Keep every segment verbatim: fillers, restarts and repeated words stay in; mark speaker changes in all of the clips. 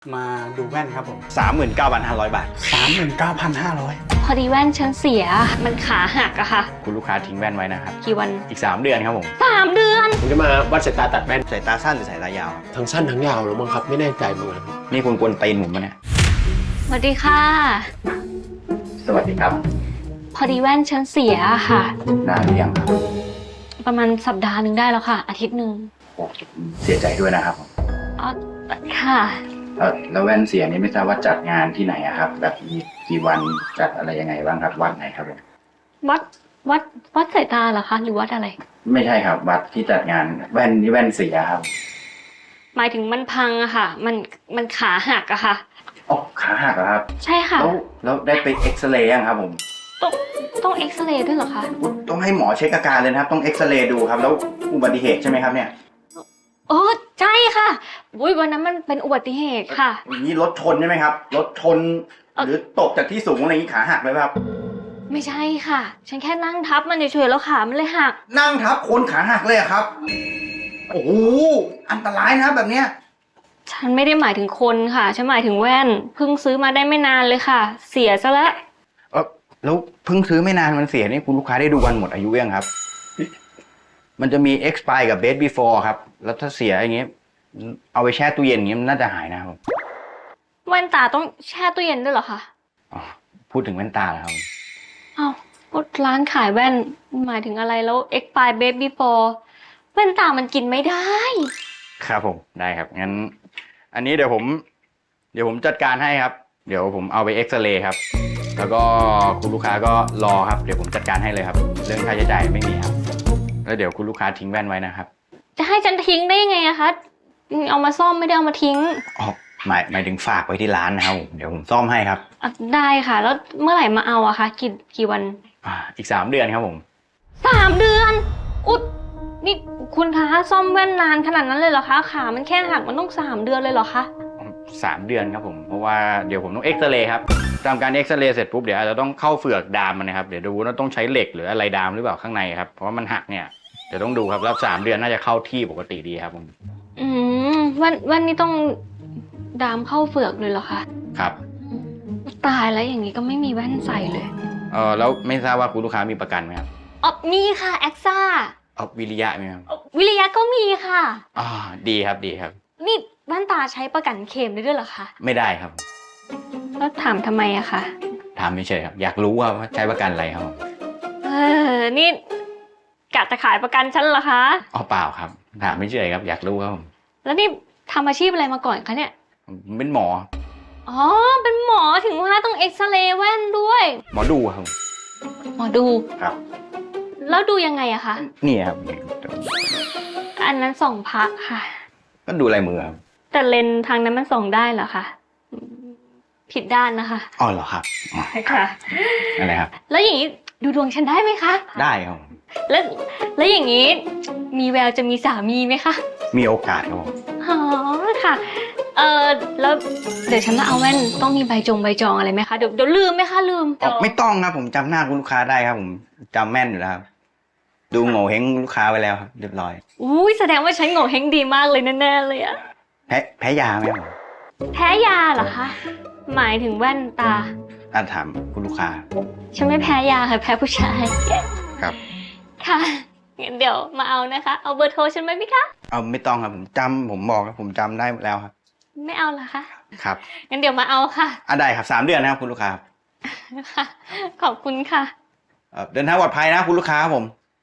Speaker 1: มาดูแว่นครับผม
Speaker 2: สามหมื่นเก้าพันห้าร้อย บาท
Speaker 1: สามหมื่นเก้าพันห้าร้อย
Speaker 3: พอดีแว่นฉันเสียมันขาหักอะค่ะ
Speaker 2: คุณลูกค้าทิ้งแว่นไว้นะครับ
Speaker 3: กี่วัน
Speaker 2: อีกสามเดือนครับผม
Speaker 3: สามเดือน
Speaker 4: ผมจะมาวัดสายตาตัดแว่น
Speaker 2: สายตาสั้นหรือสายตายาวครับ
Speaker 4: ทั้งสั้นทั้งยาวหรือมั้งครับไม่แน่ใจเหมือนกัน
Speaker 2: นี่คุณกวนตีนผมปะเนี่ย
Speaker 3: สวัสดีค่ะ
Speaker 2: สวัสดีครับ
Speaker 3: พอดีแว่นฉันเสียค่ะ
Speaker 2: นานหรือยังครับ
Speaker 3: ประมาณสัปดาห์หนึ่งได้แล้วค่ะ อาทิตย์หนึ่ง
Speaker 2: โอ้เสียใจด้วยนะครับผม
Speaker 3: อ๋อค่ะ
Speaker 2: เออแล้วแว่นเสียนี่ไม่ทราบว่าจัดงานที่ไหนอะครับ แบบมีกี่วันจัดอะไรยังไงบ้างครับวัดไหนครับผม
Speaker 3: วัดวัดวัดสายตาเหรอคะหรือวัดอะไร
Speaker 2: ไม่ใช่ครับวัดที่จัดงานแว่นนี่แว่นเสียครับ
Speaker 3: หมายถึงมันพังอะค่ะ มันมันขาหักอะค่ะ
Speaker 2: อ๋อขาหักเหรอครับ
Speaker 3: ใช่ค่ะ
Speaker 2: แล้วแล้วได้ไปเอ็กซเรย์ยังครับผม
Speaker 3: ต้องต้องเอ็กซเรย์ด้วยเหรอคะ
Speaker 2: ต้องให้หมอเช็คอาการเลยนะครับ ต้องเอ็กซเรย์ดูครับ แล้วอุบัติเหตุใช่ไหมครับเนี่ย
Speaker 3: โอ้ใช่ค่ะอุ้ยวันนั้นมันเป็นอุบัติเหตุค่ะ
Speaker 2: อย่างนี้รถชนใช่ไหมครับ รถชน
Speaker 3: เอ่อ
Speaker 2: หรือตกจากที่สูงอะไรอย่างนี้ขาหักเลยไหมครับ
Speaker 3: ไม่ใช่ค่ะ ฉันแค่นั่งทับมันเฉยๆแล้วขามันเลยหัก
Speaker 2: นั่งทับคนขาหักเลยอะครับ โอ้โห อันตรายนะครับแบบเนี้ย
Speaker 3: ฉันไม่ได้หมายถึงคนค่ะ ฉันหมายถึงแว่น เพิ่งซื้อมาได้ไม่นานเลยค่ะ เสียซะแล้ว
Speaker 2: เออแล้วเพิ่งซื้อไม่นานมันเสียนี่คุณลูกค้าได้ดูวันหมดอายุยังครับ มันจะมี expire กับ date before ครับ แล้วถ้าเสียอย่างเงี้ย เอาไปแช่ตู้เย็นอย่างเงี้ยมันน่าจะหายนะครับ
Speaker 3: แว่นตาต้องแช่ตู้เย็นด้วยเหรอคะ
Speaker 2: อ๋อพูดถึงแว่นตาแล้วครับ
Speaker 3: อ้าวก็ร้านขายแว่นหมายถึงอะไรแล้ว expire baby before แว่นตามันกินไม่ได้
Speaker 2: ครับผม ได้ครับ งั้น อันนี้เดี๋ยวผม เดี๋ยวผมจัดการให้ครับ เดี๋ยวผมเอาไปเอ็กซเรย์ครับ แล้วก็คุณลูกค้าก็รอครับ เดี๋ยวผมจัดการให้เลยครับ เรื่องค่าใช้จ่ายไม่มีครับ แล้วเดี๋ยวคุณลูกค้าทิ้งแว่นไว้นะครับ
Speaker 3: จะให้ฉันทิ้งได้ยังไงอะคะเอามาซ่อมไม่ได้เอามาทิ้ง
Speaker 2: อ๋อ หมายหมายถึงฝากไว้ที่ร้านนะครับ เดี๋ยวผมซ่อมให้ครับ
Speaker 3: อ่ะได้ค่ะ แล้วเมื่อไหร่มาเอาอะคะกี่กี่วัน
Speaker 2: อ่า อีกสามเดือนครับผม
Speaker 3: สามเดือน อุ๊ยนี่คุณคะซ่อมแว่นนานขนาดนั้นเลยเหรอคะ ขามันแค่หักมันต้องสามเดือนเลยเหรอคะ
Speaker 2: สามเดือนครับผม เพราะว่าเดี๋ยวผมต้องเอ็กซเรย์ครับทำการเอ็กซเรย์เสร็จปุ๊บเดี๋ยวอาจจะต้องเข้าเฟือกดามมันนะครับ เดี๋ยวดูว่าต้องใช้เหล็กหรืออะไรดามหรือเปล่าข้างในครับ เพราะว่ามันหักเนี่ย เดี๋ยวต้องดูครับ แล้วสามเดือนน่าจะเข้าที่ปกติดีครับผม
Speaker 3: อืมแว่นแว่นนี่ต้องดามเข้าเฟือกเลยเหรอคะ
Speaker 2: ครับ
Speaker 3: ตายแล้วอย่างนี้ก็ไม่มีแว่นใส่เลย
Speaker 2: เออแล้วไม่ทราบว่าคุณลูกค้ามีประกันไหมครับ
Speaker 3: อ๋อมีค่ะแอคซ่า
Speaker 2: เอาวิริยะไหมครับ
Speaker 3: วิริยะก็มีค่ะ
Speaker 2: อ่าดีครับดีครับ
Speaker 3: นี่แว่นตาใช้ประกันเคลมได้ด้วยเหรอคะ
Speaker 2: ไม่ได้ครับ
Speaker 3: แล้วถามทำไมอะคะ
Speaker 2: ถามเฉยๆครับ อยากรู้ว่าใช้ประกันอะไรครับ
Speaker 3: เออนี่กะจะขายประกันฉันเหรอคะ
Speaker 2: อ๋อเปล่าครับ ถามเฉยๆครับ อยากรู้ครับผม
Speaker 3: แล้วนี่ทำอาชีพอะไรมาก่อนคะเนี่ย
Speaker 2: ผมเป็นหมอ
Speaker 3: อ๋อเป็นหมอถึงว่าต้องเอ็กซเรย์แว่นด้วย
Speaker 2: หมอดูครับ
Speaker 3: หมอดู
Speaker 2: ครับ
Speaker 3: แล้วดูยังไงอะคะ
Speaker 2: นี่ครับ
Speaker 3: อันนั้นส่องพระค่ะ
Speaker 2: ก็ดูลายมือครับ
Speaker 3: แต่เลนส์ทางนั้นมันส่องได้เหรอคะอืมผิดด้านนะคะ
Speaker 2: อ๋อเหรอครับอ๋อ
Speaker 3: ค่ะ
Speaker 2: อะไรครับ
Speaker 3: แล้วอย่างนี้ดูดวงฉันได้ไหมคะ
Speaker 2: ได้ครับผม
Speaker 3: แล้วแล้วอย่างนี้มีแววจะมีสามีไหมคะ
Speaker 2: มีโอกาสครับผม
Speaker 3: อ๋อค่ะ เออแล้วเดี๋ยวฉันมาเอาแว่นต้องมีใบจงใบจองอะไรไหมคะเดี๋ยวเดี๋ยวลืมไหมคะลืม
Speaker 2: อ๋อไม่ต้องครับผมจำหน้าคุณลูกค้าได้ครับผมจำแม่นอยู่แล้วครับดูโง่เฮงลูกค้าไว้แล้วครับเรียบร้อย
Speaker 3: อุ้ยแสดงว่าฉันโง่เฮงดีมากเลยแน่ๆเลยอะ
Speaker 2: แพ้แพ้ยาไหมครับผม
Speaker 3: แพ้ยาเหรอคะหมายถึงแว่นตา
Speaker 2: อ่ะถามคุณลูกค้า
Speaker 3: ฉันไม่แพ้ยาค่ะแพ้ผู้ชาย
Speaker 2: ครับ
Speaker 3: ค่ะงั้นเดี๋ยวมาเอานะคะ เอาเบอร์โทรฉันไหมพี่คะ
Speaker 2: เอาไม่ต้องครับผมจำผมบอกครับผมจำได้แล้วครับ
Speaker 3: ไม่เอาเหรอคะ
Speaker 2: ครับ
Speaker 3: งั้นเดี๋ยวมาเอาค่ะ
Speaker 2: อ่ะได้ครับสามเดือนนะครับคุณลูกค้าครับ
Speaker 3: ค่ะ ขอบคุณค่ะ
Speaker 2: เอ่อเดินทางปลอดภัยนะคุณลูกค้าครับผม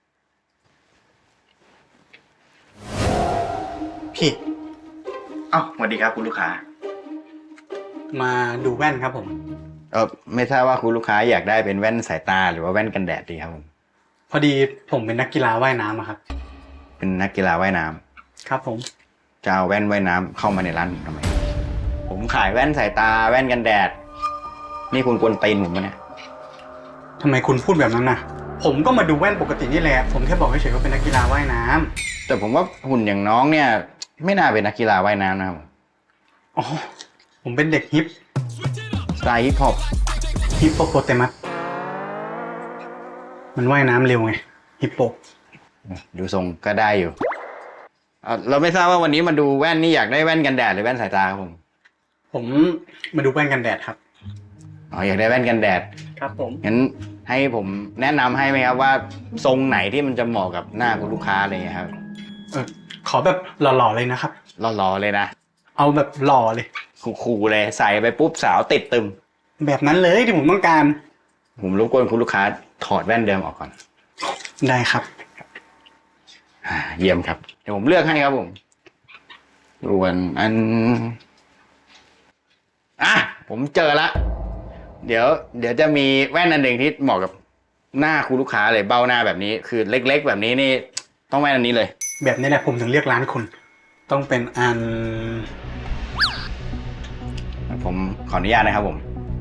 Speaker 1: พี่
Speaker 2: อ้าวสวัสดีครับคุณลูกค้า
Speaker 1: มาดูแว่นครับผม
Speaker 2: เออไม่ทราบว่าคุณลูกค้าอยากได้เป็นแว่นสายตาหรือว่าแว่นกันแดดดีครับผม
Speaker 1: พอดีผมเป็นนักกีฬาว่ายน้ำอะครับ
Speaker 2: เป็นนักกีฬาว่ายน้ำ
Speaker 1: ครับผม
Speaker 2: จะเอาแว่นว่ายน้ำเข้ามาในร้านผมทำไม ผมขายแว่นสายตาแว่นกันแดด นี่คุณกวนตีนผมปะเนี่ย
Speaker 1: ทำไมคุณพูดแบบนั้นน่ะ ผมก็มาดูแว่นปกตินี่แหละ ผมแค่บอกเฉยๆว่าเป็นนักกีฬาว่ายน้ำ
Speaker 2: แต่ผมว่าหุ่นอย่างน้องเนี่ย ไม่น่าเป็นนักกีฬาว่ายน้ำนะครับ
Speaker 1: อ๋อ ผมเป็นเด็กฮิป
Speaker 2: สไตล์ฮิปฮอป
Speaker 1: ฮิปโปโปเตมัส มันว่ายน้ำเร็วไง ฮิปโป
Speaker 2: ดูทรงก็ได้อยู่เอ่อเราไม่ทราบว่าวันนี้มาดูแว่นนี่อยากได้แว่นกันแดดหรือแว่นสายตาครับผม
Speaker 1: ผมมาดูแว่นกันแดดครับ
Speaker 2: อ๋ออยากได้แว่นกันแดด
Speaker 1: ครับผม
Speaker 2: งั้นให้ผมแนะนำให้ไหมครับว่าทรงไหนที่มันจะเหมาะกับหน้าคุณลูกค้าอะไรเงี้ยครับ
Speaker 1: เออขอแบบหล่อๆเลยนะครับ
Speaker 2: หล่อๆเลยนะ
Speaker 1: เอาแบบหล่อเลย
Speaker 2: คูลๆเลยใส่ไปปุ๊บสาวติดตึม
Speaker 1: แบบนั้นเลยที่ผมต้องการ
Speaker 2: ผมรบกวนคุณลูกค้าถอดแว่นเดิมออกก่อน
Speaker 1: ได้ครับ
Speaker 2: อ่าเยี่ยมครับเดี๋ยวผมเลือกให้ครับผมส่วนอันอ่ะผมเจอละเดี๋ยว เดี๋ยวจะมีแว่นอันหนึ่งที่เหมาะกับหน้าคุณลูกค้าเลยเบ้าหน้าแบบนี้ คือเล็ก ๆ แบบนี้นี่ต้องแว่นอันนี้เลย
Speaker 1: แบบนี้แหละผมถึงเรียกร้านคุณ ต้องเป็นอัน
Speaker 2: ผมขออนุญาตนะครับผม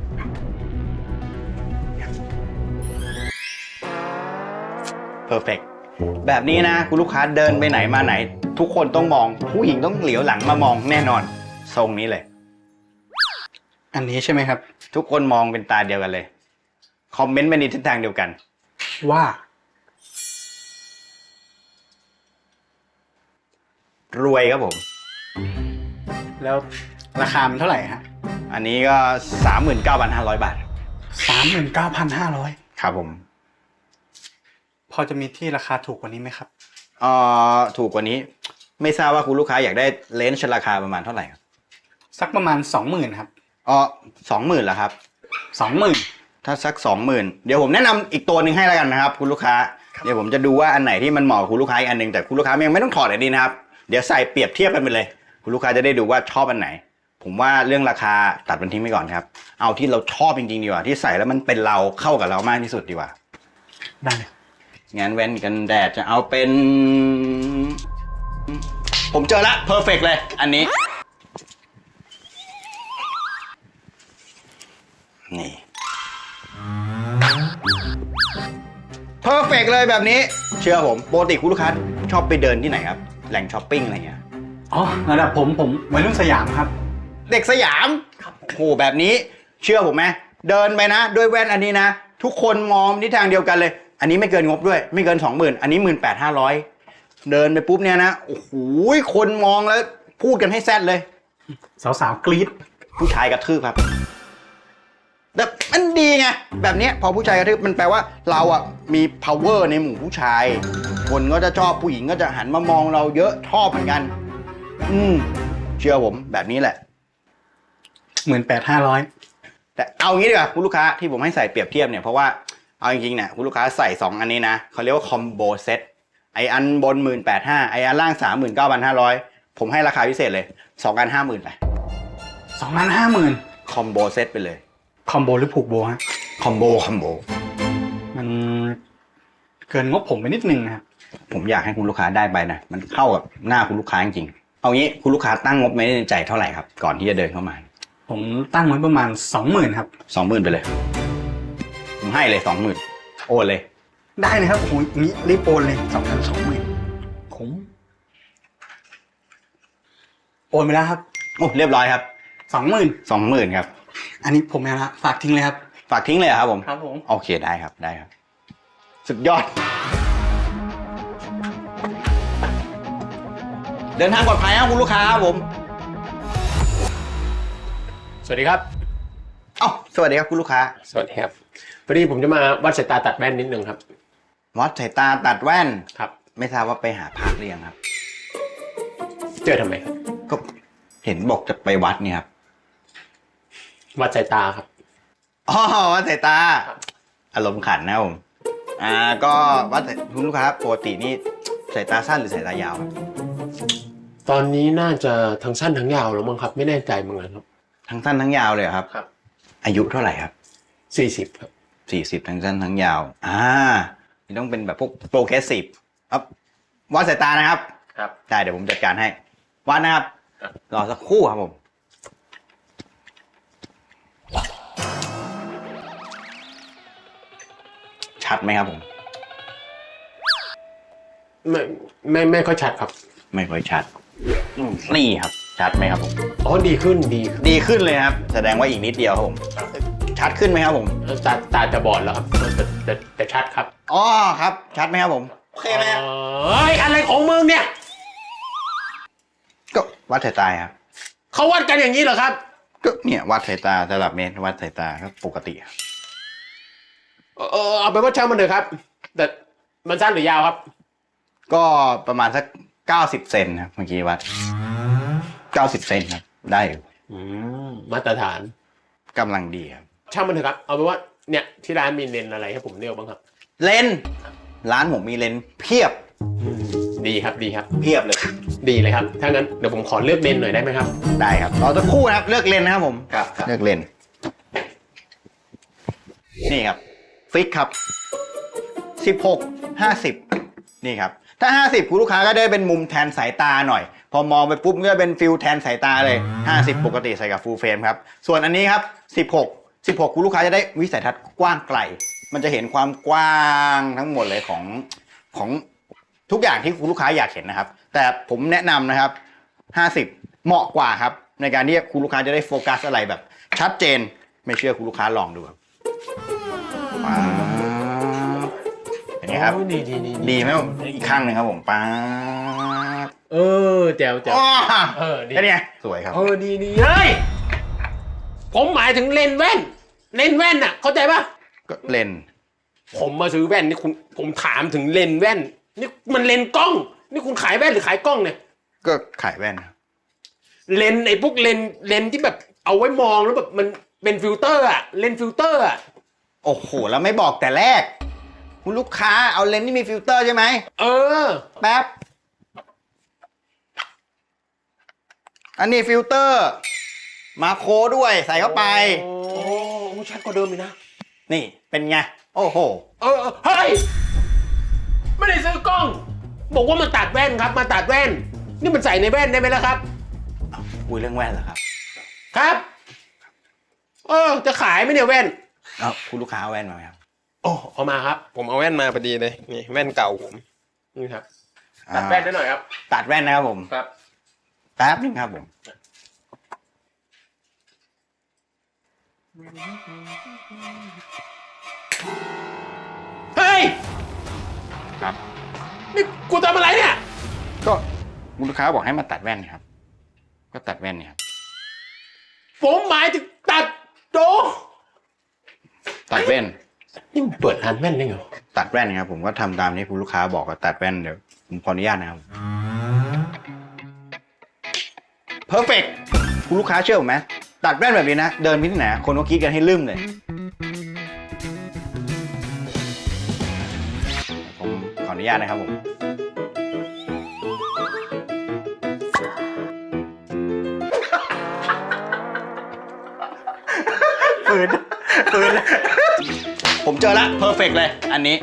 Speaker 2: เพอร์เฟกแบบนี้นะคุณลูกค้าเดินไปไหนมาไหน ทุกคนต้องมองผู้หญิงต้องเหลียวหลังมามองแน่นอนทรงนี้เลย
Speaker 1: อันนี้ใช่ไหมครับ
Speaker 2: ทุกคนมองเป็นตาเดียวกันเลย คอมเมนต์ไปในทิศทางเดียวกัน
Speaker 1: ว่า
Speaker 2: รวยครับผม
Speaker 1: แล้วราคามันเท่าไหร่ฮะ
Speaker 2: อันนี้ก็ สามหมื่นเก้าพันห้าร้อย บาท
Speaker 1: สามหมื่นเก้าพันห้าร้อย
Speaker 2: ครับผม
Speaker 1: พอจะมีที่ราคาถูกกว่านี้ไหมครับ
Speaker 2: เอ่อถูกกว่านี้ ไม่ทราบว่าคุณลูกค้าอยากได้เลนส์ราคาประมาณเท่าไหร่ครับ
Speaker 1: สักประมาณสองหมื่นครับ
Speaker 2: อ๋อสองหมื่นเหรอครับ
Speaker 1: สองหมื่น
Speaker 2: ถ้าสักสองหมื่นเดี๋ยวผมแนะนำอีกตัวหนึ่งให้แล้วกันนะครับ คุณลูกค้า เดี๋ยวผมจะดูว่าอันไหนที่มันเหมาะกับคุณลูกค้าอีกอันหนึ่งแต่คุณลูกค้ายังไม่ต้องถอดอันนี้นะครับ เดี๋ยวใส่เปรียบเทียบกันไปเลย คุณลูกค้าจะได้ดูว่าชอบอันไหน ผมว่าเรื่องราคาตัดมันทิ้งไปก่อนครับ เอาที่เราชอบจริงๆดีกว่าที่ใส่แล้วมันเป็นเราเข้ากับเรามากที่สุดดีกว่า
Speaker 1: ได้เลย
Speaker 2: งั้นแว่นกันแดดจะเอาเป็น ผมเจอละเพอร์เฟกเลย อันนี้ นี่เพอร์เฟกเลยแบบนี้ เชื่อผมปกติคุณลูกค้าชอบไปเดินที่ไหนครับ แหล่งช้อปปิ้งอะไรเงี้ย
Speaker 1: อ๋อระดับผมผมวัยรุ่นสยามครับ
Speaker 2: เด็กสยามโหแบบนี้ เชื่อผมไหมเดินไปนะด้วยแว่นอันนี้นะ ทุกคนมองทิศทางเดียวกันเลย อันนี้ไม่เกินงบด้วย ไม่เกินสองหมื่นอันนี้หมื่นแปดห้าร้อยเดินไปปุ๊บเนี่ยนะโอ้โหคนมองแล้วพูดกันให้แซดเลย
Speaker 1: สาวๆกรี๊ด
Speaker 2: ผู้ชายกระทืบครับแต่มันดีไงแบบเนี้ยพอผู้ชายกระทืบมันแปลว่าเราอ่ะมี power ในหมู่ผู้ชาย คนก็จะชอบผู้หญิงก็จะหันมามองเราเยอะชอบเหมือนกัน อืมเชื่อผมแบบนี้แหละ
Speaker 1: หมื่นแปดห้าร้อย
Speaker 2: แต่เอางี้ดีกว่าคุณลูกค้าที่ผมให้ใส่เปรียบเทียบเนี่ยเพราะว่าเอาจริงๆเนี่ยคุณลูกค้าใส่สองอันนี้นะเขาเรียกว่าคอมโบเซ็ตไออันบนหมื่นแปดห้าไออันล่างสามหมื่นเก้าพันห้าร้อยผมให้ราคาพิเศษเลยสองอันห้าหมื่นไป
Speaker 1: สองล้านห้าหมื่น
Speaker 2: คอมโบเซ็ตไปเลย
Speaker 1: คอมโบหรือผูกโบฮะ
Speaker 2: คอมโบคอมโบ
Speaker 1: มันเกินงบผมไปนิดนึงนะครับ
Speaker 2: ผมอยากให้คุณลูกค้าได้ไปนะมันเข้ากับหน้าคุณลูกค้าจริงๆเอางี้คุณลูกค้าตั้งงบไว้ในใจเท่าไหร่ครับก่อนที่จะเดินเข้ามา
Speaker 1: ผมตั้งไว้ประมาณสองหมื่นครับ
Speaker 2: สองหมื่นไปเลยผมให้เลยสองหมื่นโอนเลย
Speaker 1: ได้เลยครับโอ้โหอย่างนี้รีบโอนเลยสองพันสองหมื่นผมโอนไปแล้วครับ
Speaker 2: โอ้เรียบร้อยครับ
Speaker 1: สองหมื่น
Speaker 2: สองหมื่นครับ
Speaker 1: อันนี้ผมไม่เอาละฝากทิ้งเลยครับ
Speaker 2: ฝากทิ้งเลยเหรอครับผม
Speaker 1: ครับผม
Speaker 2: โอเคได้ครับได้ครับ สุดยอด เดินทางปลอดภัยครับคุณลูกค้าครับผม
Speaker 4: สวัสดีครับ
Speaker 2: เอ้าสวัสดีครับคุณลูกค้า
Speaker 4: สวัสดีครับพอดีผมจะมาวัดสายตาตัดแว่นนิดนึงครับ
Speaker 2: วัดสายตาตัดแว่น
Speaker 4: ครับ
Speaker 2: ไม่ทราบว่าไปหาพระหรือยังครับ
Speaker 4: เจอทำไมครับ
Speaker 2: ก็เห็นบอกจะไปวัดเนี่ยครับ
Speaker 4: วัดสายตาครับ
Speaker 2: อ๋อวัดสายตา อารมณ์ขันนะครับผมอ่าก็วัดสายคุณลูกค้าปกตินี่สายตาสั้นหรือสายตายาวครับ
Speaker 4: ตอนนี้น่าจะทั้งสั้นทั้งยาวแล้วมั้งครับ ไม่แน่ใจเหมือนกันครับ
Speaker 2: ทั้งสั้นทั้งยาวเลยเหรอครับ
Speaker 4: ครับ
Speaker 2: อายุเท่าไหร่ครับ
Speaker 4: สี่สิบครับ
Speaker 2: สี่สิบทั้งสั้นทั้งยาว อ่านี่ต้องเป็นแบบพวกโปรเกรสซีฟครับวัดสายตานะครับ
Speaker 4: ครับ
Speaker 2: ได้เดี๋ยวผมจัดการให้ วัดนะครับ
Speaker 4: ครับ
Speaker 2: รอสักครู่ครับผม ชัดไหมครับผม
Speaker 4: ไม่ไม่ไม่ค่อยชัดครับ
Speaker 2: ไม่ค่อยชัดอืมนี่ครับ ชัดไหมครับผม
Speaker 4: อ๋อดีขึ้นดีขึ้น
Speaker 2: ดีขึ้นเลยครับ แสดงว่าอีกนิดเดียวครับผม ชัดขึ้นไหมครับผม
Speaker 4: ตาตาจะบอดแล้วครับแต่แต่แต่ชัดครับ
Speaker 2: อ๋อครับ ชัดไหมครับผม โอเคไหมครับ
Speaker 4: เอ้ยอะไรของมึงเนี่ย
Speaker 2: ก็วัดสายตาครับ
Speaker 4: เขาวัดกันอย่างนี้เหรอครับ
Speaker 2: ก็เนี่ยวัดสายตาสลับเมตรวัดสายตาก็ปกติครับ
Speaker 4: เออเออเอาไปนว่าช่างมันเถอะครับ แต่มันสั้นหรือยาวครับ
Speaker 2: ก็ประมาณสักเก้าสิบเซนครับเมื่อกี้วัดเก้าสิบเซนครับได้อยู่
Speaker 4: อืมมาตรฐาน
Speaker 2: กำลังดีครับ
Speaker 4: ช่างมันเถอะครับ เอาเป็นว่าเนี่ยที่ร้านมีเลนส์อะไรให้ผมเลือกบ้างครับ
Speaker 2: เลนส์ร้านผมมีเลนส์เพียบ
Speaker 4: อืมดีครับดีครับ
Speaker 2: เพียบเลย
Speaker 4: ดีเลยครับ ถ้างั้นเดี๋ยวผมขอเลือกเลนส์หน่อยได้ไหมครับ
Speaker 2: ได้ครับเราจะคู่นะครับเลือกเลนส์นะครับผม
Speaker 4: ครับ
Speaker 2: เลือกเลนส์นี่ครับฟิกครับสิบหก ห้าสิบนี่ครับถ้าห้าสิบคุณลูกค้าก็ได้เป็นมุมแทนสายตาหน่อย พอมองไปปุ๊บก็เป็นฟิลแทนสายตาเลยห้าสิบปกติใส่กับฟูลเฟรมครับส่วนอันนี้ครับสิบหก สิบหกคุณลูกค้าจะได้วิสัยทัศน์กว้างไกลมันจะเห็นความกว้างทั้งหมดเลยของของทุกอย่างที่คุณลูกค้าอยากเห็นนะครับแต่ผมแนะนำนะครับห้าสิบเหมาะกว่าครับในการที่คุณลูกค้าจะได้โฟกัสอะไรแบบชัดเจนไม่เชื่อคุณลูกค้าลองดูครับป๊าบเห็นไหมครับ
Speaker 4: โอ้ดีดีดี
Speaker 2: ดีไหมอีกข้างหนึ่งครับผมป๊าบ
Speaker 4: เออแจ๋วแจ๋ว
Speaker 2: อ๋อ
Speaker 4: เออดี
Speaker 2: แค่นี้สวยครับ
Speaker 4: เออดีดีเฮ้ยผมหมายถึงเลนส์แว่นเลนส์แว่นน่ะเข้าใจปะ
Speaker 2: ก็เลนส์
Speaker 4: ผมมาซื้อแว่นนี่คุณผมถามถึงเลนส์แว่นนี่มันเลนส์กล้อง นี่คุณขายแว่นหรือขายกล้องเนี่ย
Speaker 2: ก็ขายแว่นครับ
Speaker 4: เลนส์ไอ้พวกเลนส์เลนส์ที่แบบเอาไว้มองแล้วแบบมันเป็นฟิลเตอร์อะเลนส์ฟิลเตอร์อะ
Speaker 2: โอ้โหแล้วไม่บอกแต่แรก คุณลูกค้าเอาเลนส์ที่มีฟิลเตอร์ใช่ไหม
Speaker 4: เออ
Speaker 2: แป๊บอันนี้ฟิลเตอร์มาโครด้วยใส่เข้าไป
Speaker 4: โอ้โหชัดกว่าเดิมอีกนะ
Speaker 2: นี่เป็นไงโอ้โห
Speaker 4: เออเออเฮ้ยไม่ได้ซื้อกล้อง บอกว่ามาตัดแว่นครับ มาตัดแว่น นี่มันใส่ในแว่นได้ไหมล่ะครับ
Speaker 2: คุยเรื่องแว่นเหรอครับ
Speaker 4: ครับ เออ จะขายไหมเนี่ยแว่น
Speaker 2: เอ้าคุณลูกค้าเอาแว่นมาไหมครับ
Speaker 4: โอ้เอามาครับ ผมเอาแว่นมาพอดีเลยนี่แว่นเก่าผมนี่ครับตัดแว่นได้หน่อยครับ
Speaker 2: ตัดแว่นนะครับผม
Speaker 4: ครับ
Speaker 2: แป๊บนึงครับผม
Speaker 4: เฮ้ย
Speaker 2: ครับ
Speaker 4: นี่กูทำอะไรเนี่ย
Speaker 2: ก็คุณลูกค้าบอกให้มาตัดแว่นครับ ก็ตัดแว่นเนี่ยครับ
Speaker 4: ผมหมายถึงตัดโด
Speaker 2: ตัดแว่น
Speaker 4: นี่มันเปิดร้านแว่นได้ไง
Speaker 2: ตัดแว่นครับผมก็ทำตามที่คุณลูกค้าบอกก็ตัดแว่นเดี๋ยวผมขออนุญาตนะครับเพอร์เฟกคุณลูกค้าเชื่อผมไหมตัดแว่นแบบนี้นะเดินไปที่ไหนคนก็คิดกันให้ลืมเลยผมขออนุญาตนะครับผมปืนปืนผมเจอละเพอร์เฟกเลยอันนี้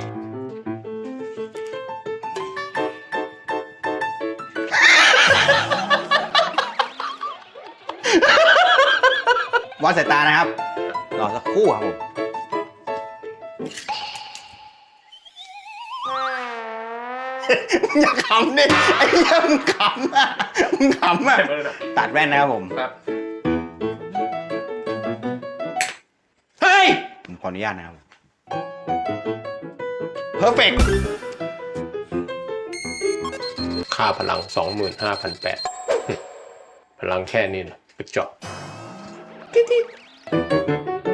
Speaker 2: วัดสายตานะครับ รอสักครู่ครับผม อย่าขำดิไอ้เหี้ยมึงขำอ่ะมึงขำอ่ะตัดแว่นนะครับผม
Speaker 4: ครับ เฮ้ย
Speaker 2: ผมขออนุญาตนะครับเพอร์เฟก
Speaker 4: ค่าพลัง สองหมื่นห้าพันแปดร้อย พลังแค่นี้นะไปเจาะ